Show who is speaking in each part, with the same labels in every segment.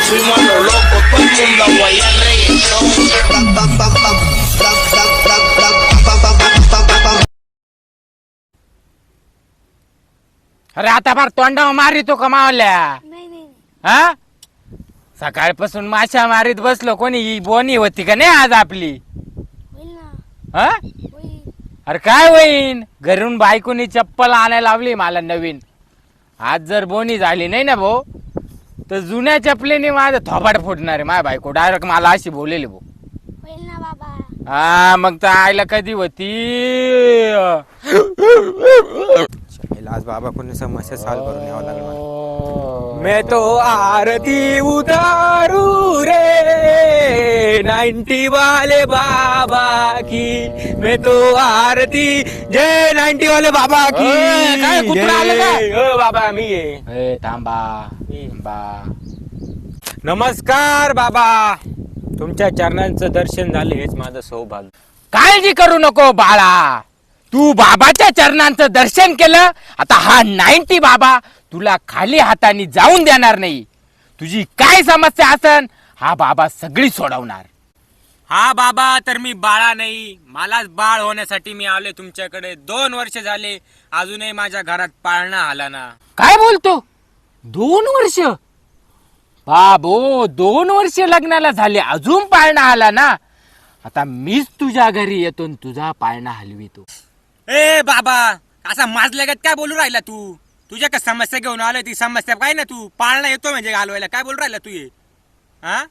Speaker 1: fuimos a lo loco, todo el mundo a guayar reggaetón.
Speaker 2: अरे आता फार तोंडावर मारितो कमावल्या.
Speaker 3: नाही नाही
Speaker 2: हा सकाळपासून माशा मारीत बसलो. कोणी ही बोनी होती का नाही आज आपली?
Speaker 3: होईल ना
Speaker 2: हा
Speaker 3: होईल.
Speaker 2: अरे काय होईन? घरून बायकोनी चप्पल आणायला लावली मला नवीन. आज जर बोनी झाली नाही ना भाऊ तर जुन्या चपलेने माझं थोबाड फुटणार आहे. माझ्या बायको डायरेक्ट मला अशी बोललेली भाऊ.
Speaker 3: होईल ना बाबा.
Speaker 2: हा मग तर आईला कधी होती.
Speaker 4: आज बाबा कोणी समस्या सॉल्व करून यावं लागलं मला.
Speaker 2: मैं तो आरती उतारू रे 90 वाले बाबा की. मैं तो आरती जय 90 वाले बाबा की.
Speaker 4: काय कुत्रा आलं का?
Speaker 2: ओ बाबा मी आहे. थांबा थांबा. नमस्कार बाबा.
Speaker 4: तुमच्या चरणांचं दर्शन झालं हेच माझं सौभाग्य.
Speaker 2: काळजी करू नको बाळा. तू बाबाच्या चरणांचं दर्शन केलं. आता हा 90 बाबा तुला खाली हाताने जाऊन देणार नाही. तुझी काय समस्या असन हा बाबा सगळी सोडवणार.
Speaker 4: हा बाबा तर मी बाळा नाही, मलाच बाळ होण्यासाठी मी आले तुमच्याकडे. 2 वर्ष झाले अजूनही माझ्या घरात पाळणा आला ना.
Speaker 2: काय बोलतो? 2 वर्ष? बाबो 2 वर्ष लग्नाला झाले अजून पाळणा आला ना. आता मीच तुझ्या घरी येतो आणि तुझा पाळणा हलवितो.
Speaker 4: ए बाबा असा माजल्यागत काय बोलू राहिला तू? तुझ्या का समस्या घेऊन आलोय ती समस्या काय ना. तू पाळणा येतो म्हणजे घालवायला काय बोलू राहिला तू? हा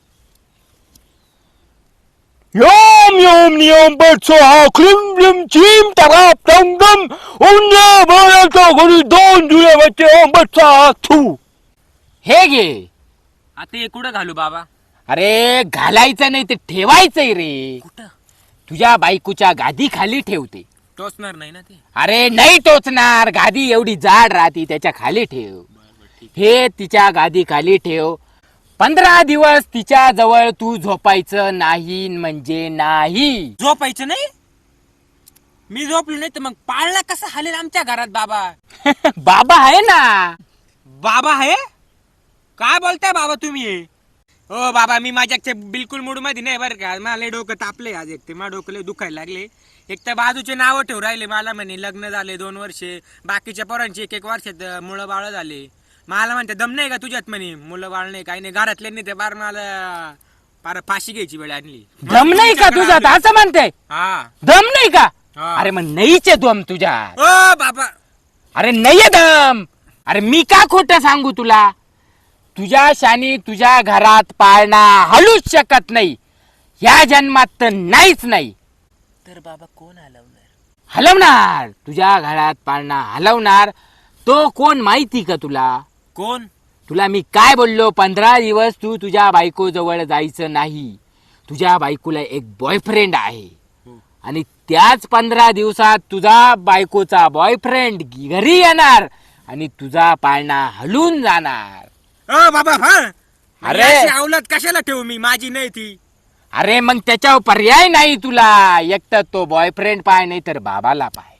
Speaker 2: Yom yom niyom batso ha klim klim chim tarap dum dum unya barato gori don dule bache om batsa thu. हे घे.
Speaker 4: आता हे कुठं घालू बाबा?
Speaker 2: अरे घालायचं नाही ते ठेवायचंय रे.
Speaker 4: कुठं?
Speaker 2: तुझ्या बायकोच्या गादी खाली ठेवते.
Speaker 4: टोचणार नाही ना ते?
Speaker 2: अरे नाही टोचणार. गादी एवढी जाड राहती त्याच्या खाली ठेव. हे तिच्या गादी खाली ठेव. 15 दिवस तिच्या जवळ तू झोपायचं नाही म्हणजे नाही.
Speaker 4: झोपायचं नाही? मी झोपलो नाही तर मग पाळणा कसा हालेल आमच्या घरात बाबा?
Speaker 2: बाबा आहे ना.
Speaker 4: बाबा आहे? काय बोलताय बाबा तुम्ही? हो बाबा मी माझ्या बिलकुल मूड मध्ये नाही बरं का. मला डोकं तापले आज. एक ते माझं डोकं लय दुखायला लागले. एक तर बाजूचे नावं ठेवू राहिले मला. म्हणे लग्न झाले 2 वर्षे. बाकीच्या पोरांची 1 वर्षात मुलं बाळ झाले. मला म्हणते दम नाही का तुझ्यात? म्हणे मुलं बाळ नाही काही नाही. घरातले नाही ते बार मला पार फाशी घ्यायची वेळ आणली.
Speaker 2: दम नाही का तुझ्यात असं म्हणते?
Speaker 4: हा
Speaker 2: दम नाही का?
Speaker 4: हा.
Speaker 2: अरे मग नाहीचे दम तुझ्यात.
Speaker 4: ओ बाबा
Speaker 2: अरे नाहीये दम. अरे मी का खोटं सांगू तुला? तुझ्या शानी तुझ्या घरात पाळणा हलूच शकत नाही. या जन्मात तर नाहीच नाही.
Speaker 4: तर बाबा कोण हलवणार?
Speaker 2: हलवणार. तुझ्या घरात पाळणा हलवणार तो कोण माहिती का तुला?
Speaker 4: कोण?
Speaker 2: तुला मी काय बोललो? 15 दिवस तू तुझ्या बायको जवळ जायचं नाही. तुझ्या बायकोला एक बॉयफ्रेंड आहे आणि त्याच 15 दिवसात तुझा बायकोचा बॉयफ्रेंड घरी येणार आणि तुझा पाळणा हलून जाणार.
Speaker 4: ओ बाबा हा
Speaker 2: अरे.
Speaker 4: अरे अवलाद कशाला ठेवू मी? माझी नाही ती.
Speaker 2: अरे मग त्याच्यावर पर्याय नाही तुला. एक तर तो बॉयफ्रेंड पाय नाही तर बाबाला पाय.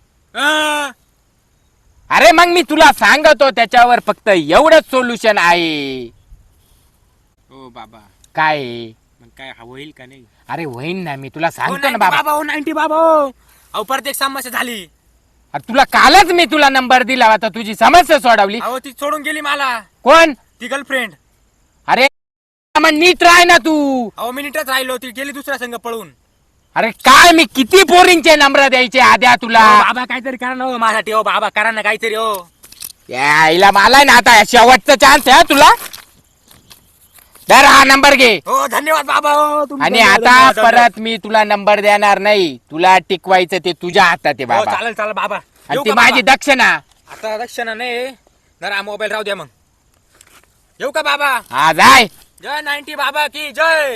Speaker 2: अरे मग मी तुला सांगतो त्याच्यावर फक्त एवढंच सोल्युशन आहे.
Speaker 4: ओ बाबा
Speaker 2: काय?
Speaker 4: मग काय होईल का नाही?
Speaker 2: अरे होईन ना. मी तुला सांगतो ना
Speaker 4: 90
Speaker 2: बाबा.
Speaker 4: बाबा ओ 90 बाबा. अहो परत एक समस्या झाली.
Speaker 2: अरे तुला कालच मी तुला नंबर दिला होता. तुझी समस्या सोडवली.
Speaker 4: अहो ती सोडून गेली मला.
Speaker 2: कोण?
Speaker 4: ती गर्लफ्रेंड.
Speaker 2: अरे मग नीट राह ना तू.
Speaker 4: अहो मिनिटच राहिलो. ती गेली दुसऱ्या संघ पळून.
Speaker 2: अरे काय मी किती पोरींचे नंबर द्यायचे आद्या तुला?
Speaker 4: बाबा काहीतरी करा ना हो माझ्यासाठी. हो बाबा करा ना काहीतरी. हो
Speaker 2: यायला मला ना आता शेवटचा चान्स आहे तुला. तर हा नंबर घे.
Speaker 4: हो धन्यवाद बाबा. हो तुमचं
Speaker 2: आणि
Speaker 4: धन्यवाद.
Speaker 2: आता परत मी तुला नंबर देणार नाही. तुला टिकवायचं ते तुझ्या हातात आहे
Speaker 4: हो
Speaker 2: बाबा.
Speaker 4: चालेल चालेल बाबा.
Speaker 2: आणि
Speaker 4: येऊ
Speaker 2: ती
Speaker 4: का
Speaker 2: माझी
Speaker 4: बाबा?
Speaker 2: दक्षिणा.
Speaker 4: आता रक्षणा नाही. जरा मोबाईल राहू द्या मग. येऊ का बाबा?
Speaker 2: हा जाय.
Speaker 4: जय 90 बाबा की जय.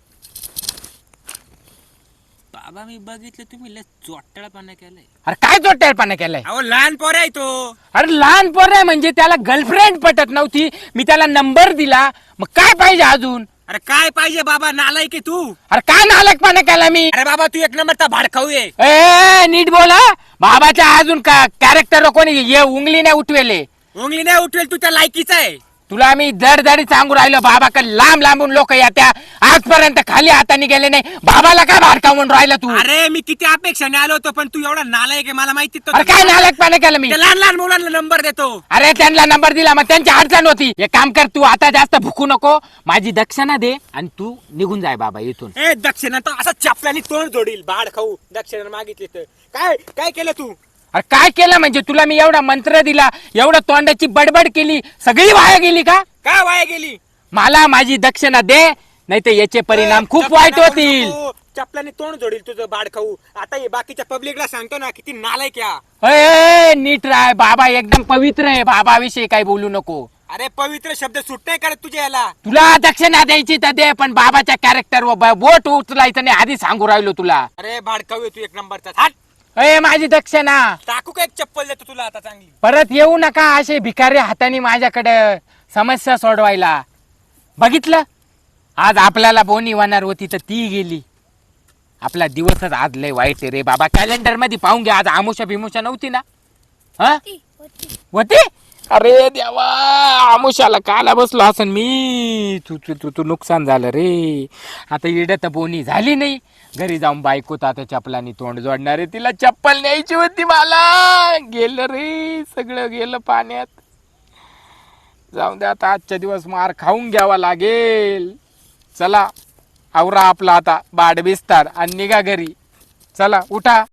Speaker 4: बाबा मी बघितलं तुम्ही लय चोट्टाळपणा केलाय.
Speaker 2: अरे काय जोट्यापणा केलाय?
Speaker 4: अहो लहान पोर आहे तो.
Speaker 2: अरे लहान पोर आहे म्हणजे त्याला गर्लफ्रेंड पटत नव्हती. मी त्याला नंबर दिला. मग काय पाहिजे अजून?
Speaker 4: अरे काय पाहिजे बाबा? नालायक आहे तू.
Speaker 2: अरे काय नालकपणा केला मी?
Speaker 4: अरे बाबा तू 1 नंबरचा भाडखाऊ आहे.
Speaker 2: ए नीट बोला. बाबाच्या अजून का कॅरेक्टर कोणी ये उंगली नाही उठवेले.
Speaker 4: उंगली नाही उठवेल तू त्या लायकीचा आहे.
Speaker 2: तुला मी दरदरी सांगू राहिलो बाबा का लांब लांबून लोक येत्या आजपर्यंत खाली हाताने गेले नाही बाबाला काय भाडका म्हणून राहिला तू
Speaker 4: अरे मी किती अपेक्षाने आलो होतो पण तू एवढा नालायक आहे मला माहिती
Speaker 2: अरे काय नालकपणा केलं मी
Speaker 4: त्या लहान लहान मुलांना नंबर देतो.
Speaker 2: अरे त्यांना नंबर दिला मग त्यांची अडचण होती एक काम कर तू आता जास्त भुकू नको माझी दक्षिणा दे आणि तू निघून जाय बाबा इथून.
Speaker 4: ए दक्षिणा तर असं चपल्याने तोंड जोडील भाड खाऊ दक्षिणा मागितली तर काय काय केलं तू.
Speaker 2: अरे काय केलं म्हणजे तुला मी एवढा मंत्र दिला एवढं तोंडाची बडबड केली सगळी वाया गेली का.
Speaker 4: काय वाया गेली.
Speaker 2: मला माझी दक्षिणा दे नाही तर याचे परिणाम खूप वाईट होतील.
Speaker 4: चपल्याने तोंड जोडील तुझं भाड खाऊ. आता हे बाकीच्या पब्लिकला सांगतो ना किती नालायक या.
Speaker 2: अय, नीट राय बाबा एकदम पवित्र आहे बाबाविषयी काही बोलू नको.
Speaker 4: अरे पवित्र शब्द सुट नाही करत तुझ्या याला.
Speaker 2: तुला दक्षिणा द्यायची तर दे पण बाबाच्या कॅरेक्टर बोट उचलायचं नाही आधी सांगू राहिलो तुला.
Speaker 4: अरे भाड खाऊ तू एक नंबरचा हाट.
Speaker 2: अय माझी दक्षिणा
Speaker 4: टाकू का एक चप्पल देतो तुला आता चांगली.
Speaker 2: परत येऊ नका असे भिकारी हाताने माझ्याकडे समस्या सोडवायला. बघितलं आज आपल्याला बोनी होणार होती तर ती गेली. आपला दिवसच आज लय वाईट आहे रे बाबा. कॅलेंडर मध्ये पाहून घ्या आज आमुषा बिमुषा नव्हती ना. हा होती. अरे देवा आमुषाला काला बसलो असं मी तू तू तू तू नुकसान झालं रे. आता इड तर बोनी झाली नाही घरी जाऊन बायको आता चपलानी तोंड जोडणार आहे तिला चप्पल न्यायची होती मला. गेलं रे सगळं गेलं पाण्यात. जाऊन दे आता आजच्या दिवस मार खाऊन घ्यावा लागेल. चला आवरा आपला आता बाड बिस्तार आणि निघा घरी. चला उठा.